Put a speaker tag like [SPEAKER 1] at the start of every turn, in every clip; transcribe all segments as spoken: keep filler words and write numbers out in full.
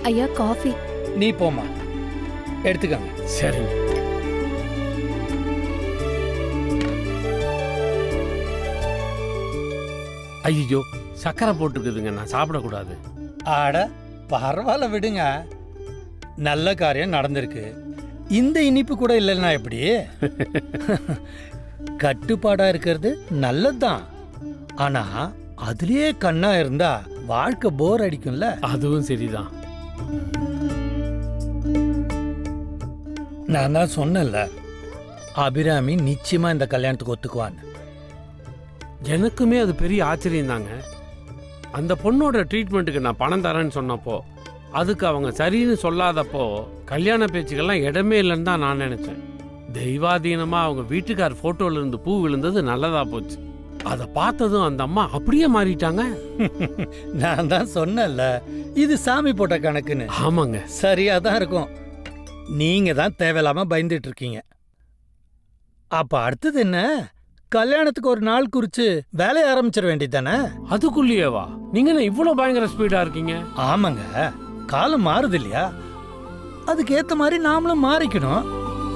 [SPEAKER 1] ஐயா காஃபி.
[SPEAKER 2] நீ போமா, எடுத்துக்கங்க.
[SPEAKER 3] சரிங்க. ஐயோ, சக்கரை போட்டுக்குதுங்க, நான் சாப்பிடக்கூடாது.
[SPEAKER 2] ஆட பரவாயில்ல விடுங்க, நல்ல காரியம் நடந்திருக்கு. இந்த இனிப்பு கூட இல்லைன்னா எப்படி? கட்டுப்பாடா இருக்கிறது நல்லதுதான். ஆனா அதுலயே கண்ணா இருந்தா வாழ்க்கை போர் அடிக்கும்ல.
[SPEAKER 3] அதுவும் சரிதான்.
[SPEAKER 2] நான் தான் சொன்னேன்ல, அபிராமி நிச்சயமா இந்த கல்யாணத்துக்கு ஒத்துக்குவான்னு.
[SPEAKER 3] எனக்குமே அது பெரிய ஆச்சரியம் தாங்க. அந்த பொண்ணோட ட்ரீட்மெண்ட்டுக்கு நான் பணம் தரேன்னு சொன்னப்போ, அதுக்கு அவங்க சரின்னு சொல்லாதப்போ கல்யாண பேச்சுக்கெல்லாம் இடமே இல்லைன்னு தான் நான் நினைச்சேன். தெய்வாதீனமா அவங்க வீட்டுக்கார் போட்டோல இருந்து பூ விழுந்தது நல்லதா போச்சு. அதை பார்த்ததும் அந்த அம்மா அப்படியே மாறிட்டாங்க.
[SPEAKER 2] நான் தான் சொன்னேன்ல, இது சாமி போட்ட கணக்குன்னு.
[SPEAKER 3] ஆமாங்க,
[SPEAKER 2] சரியா தான் இருக்கும். நீங்க தான் தேவையில்லாம பயந்துட்டு இருக்கீங்க. அப்ப அடுத்தது என்ன? கல்யாணத்துக்கு ஒரு நாள் குறிச்சு வேலைய ஆரம்பிச்சிட வேண்டியது தானே?
[SPEAKER 3] அதுக்குள்ளேயேவா? நீங்க என்ன இவ்வளவு பயங்கர ஸ்பீடா இருக்கீங்க?
[SPEAKER 2] ஆமாங்க, காலம் மாறுது இல்லையா, அதுக்கு ஏத்த மாதிரி நாமளும் மாறிக்கணும்.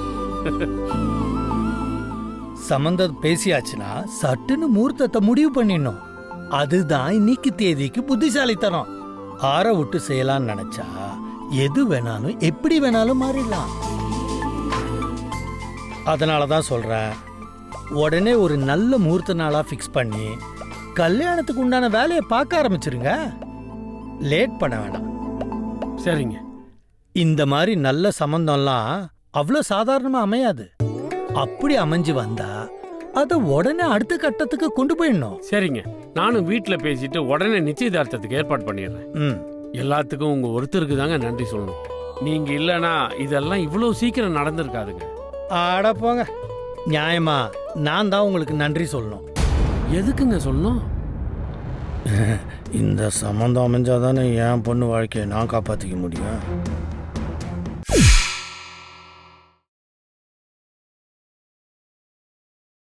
[SPEAKER 2] சம்பந்தம் பேசியாச்சுன்னா சட்டுன்னு முகூர்த்தத்தை முடிவு பண்ணிடணும். அதுதான் இன்னைக்கு தேதிக்கு புத்திசாலித்தனம். ஆற விட்டு செய்யலாம்னு நினைச்சா எது வேணாலும் எப்படி வேணாலும் மாறிடலாம். அதனாலதான் சொல்றேன், உடனே ஒரு நல்ல முகூர்த்த நாளா ஃபிக்ஸ் பண்ணி கல்யாணத்துக்கு உண்டான வேலையை பார்க்க ஆரம்பிச்சிருங்க. லேட் பண்ண வேண்டாம்.
[SPEAKER 3] சரிங்க.
[SPEAKER 2] இந்த மாதிரி நல்ல சம்பந்தம்லாம் அவ்வளோ சாதாரணமா அமையாது. அப்படி அமைஞ்சு வந்தா அதை உடனே அடுத்த கட்டத்துக்கு கொண்டு போயிடணும்.
[SPEAKER 3] சரிங்க, நானும் வீட்டுல பேசிட்டு உடனே நிச்சயதார்த்தத்துக்கு ஏற்பாடு பண்ணிடுறேன்.
[SPEAKER 2] ம்,
[SPEAKER 3] எல்லாத்துக்கும் உங்க ஒருத்தருக்கு தாங்க நன்றி சொல்லணும். நீங்க இல்லனா இதெல்லாம் இவ்வளவு சீக்கிரம் நடந்திருக்காதுங்க.
[SPEAKER 2] ஆட போங்க. நியாயமா நான் தான் உங்களுக்கு நன்றி சொல்லணும்.
[SPEAKER 3] எதுக்குங்க சொல்லணும்?
[SPEAKER 2] இந்த சம்பந்தம் அமைஞ்சாதானே என் பொண்ணு வாழ்க்கையை நான் காப்பாற்றிக்க முடியும்.